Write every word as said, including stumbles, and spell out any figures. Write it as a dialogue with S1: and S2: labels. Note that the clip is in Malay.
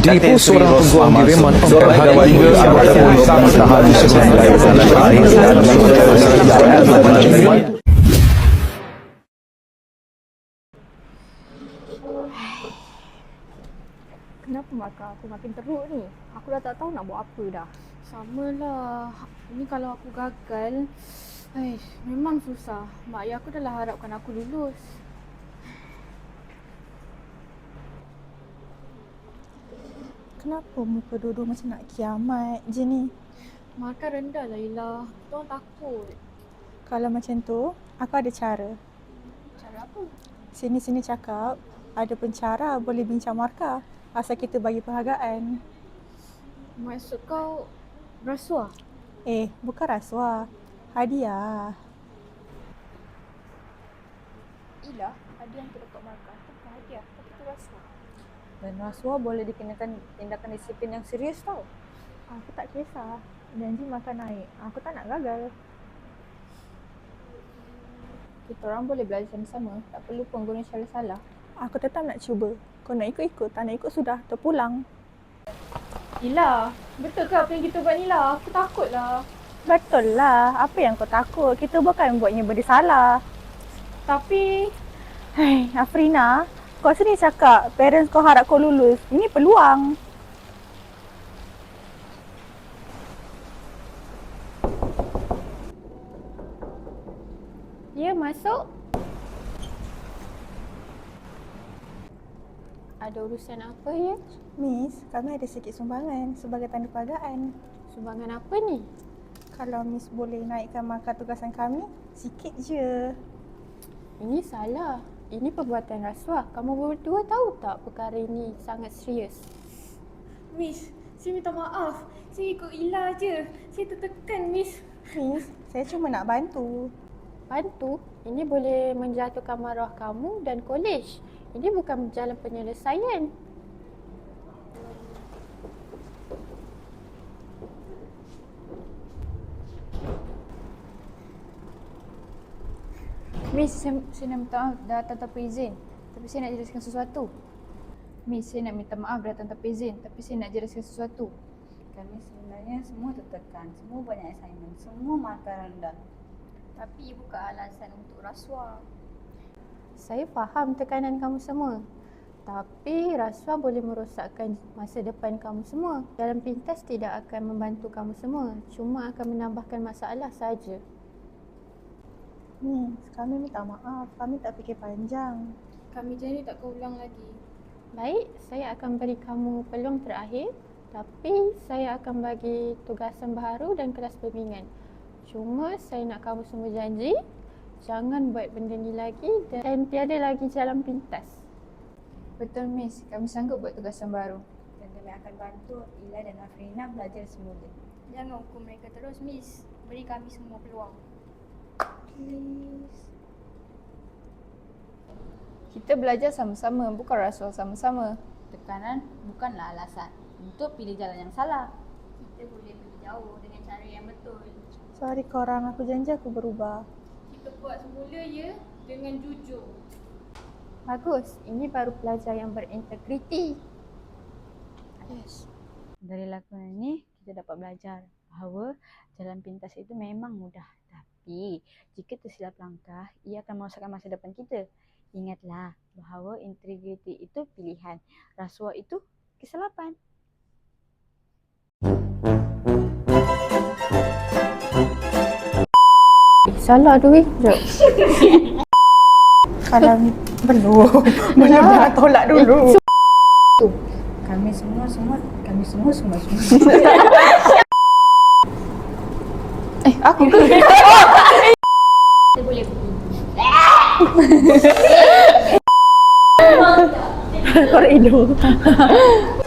S1: Ditipu seorang peguam di Reman Pemkat hari tiga anggota polis tahan di sebelah.
S2: Kenapa mata aku makin teruk ni? Aku dah tak tahu nak buat apa dah.
S3: Samalah. Ini kalau aku gagal, aish, memang susah. Mak ayah aku dah lah harapkan aku lulus.
S4: Kenapa muka dua-dua macam nak kiamat je ni?
S3: Makan rendah lah Ila. Kita orang takut.
S4: Kalau macam tu, aku ada cara.
S3: Cara apa?
S4: Sini-sini cakap, ada pencara boleh bincang markah. Asal kita bagi penghargaan.
S3: Maksud kau rasuah?
S4: Eh, bukan rasuah. Hadiah.
S2: Ila, ada yang terdapat markah. Itu bukan hadiah, tapi itu rasuah.
S5: Dan rasuah boleh dikenakan tindakan disiplin yang serius tau.
S2: Aku tak kisah. Janji makan naik. Aku tak nak gagal. Kita orang boleh belajar sama-sama. Tak perlu pun guna cara salah.
S4: Aku tetap nak cuba. Kau nak ikut-ikut, tak nak ikut sudah, terpulang.
S3: Ila, betul ke apa yang kita buat ni lah? Aku takut lah.
S4: Betul lah. Apa yang kau takut? Kita bukan buatnya benda salah.
S3: Tapi,
S4: Hai, Afrina, kau sini cakap parents kau harap kau lulus. Ini peluang.
S3: dia masuk. Ada urusan apa ya?
S4: Miss, kami ada sikit sumbangan sebagai tanda penghargaan.
S3: Sumbangan apa ni?
S4: Kalau Miss boleh naikkan markah tugasan kami, sikit je.
S3: Ini salah. Ini perbuatan rasuah. Kamu berdua tahu tak perkara ini sangat serius?
S6: Miss, saya minta maaf. Saya ikut Ila je. Saya tertekan, Miss.
S4: Miss, saya cuma nak bantu.
S3: Bantu? Ini boleh menjatuhkan maruah kamu dan kolej. Ini bukan jalan penyelesaian.
S2: Miss, saya, saya nak minta maaf datang tanpa izin. Tapi saya nak jelaskan sesuatu. Miss, saya nak minta maaf datang tanpa izin. Tapi saya nak jelaskan sesuatu.
S5: Kami sebenarnya semua tertekan, semua banyak assignment, semua markah rendah.
S2: Tapi bukan alasan untuk rasuah.
S3: Saya faham tekanan kamu semua. Tapi rasuah boleh merosakkan masa depan kamu semua. Dalam pintas tidak akan membantu kamu semua. Cuma akan menambahkan masalah saja.
S4: Miss, kami minta maaf. Kami tak fikir panjang.
S6: Kami janji tak kau ulang lagi.
S3: Baik, saya akan beri kamu peluang terakhir. Tapi saya akan bagi tugasan baru dan kelas bimbingan. Cuma saya nak kamu semua janji, jangan buat benda ni lagi dan tiada lagi jalan pintas.
S2: Betul Miss, kami sanggup buat tugasan baru.
S5: Dan kami akan bantu Ila dan Afrina belajar semula.
S6: Jangan hukum mereka terus, Miss. Beri kami semua peluang.
S4: Please.
S2: Kita belajar sama-sama, bukan rasuah sama-sama.
S5: Tekanan bukanlah alasan untuk pilih jalan yang salah.
S6: Kita boleh pergi jauh dengan cara yang betul.
S4: Sorry korang, aku janji aku berubah.
S6: Kita buat semula ya dengan jujur.
S3: Bagus, ini baru pelajar yang berintegriti.
S5: Yes. Dari lakonan ini kita dapat belajar bahawa jalan pintas itu memang mudah. Tapi jika tersilap langkah, ia akan merosakkan masa depan kita. Ingatlah bahawa integriti itu pilihan. Rasuah itu kesilapan.
S3: Salah tu weh. Jom.
S4: Kalau belum, belum dah tolak dulu.
S5: Kami semua semua kami semua semua semua.
S3: Eh, aku ke?
S6: Kita boleh pergi.
S4: Korek hidung.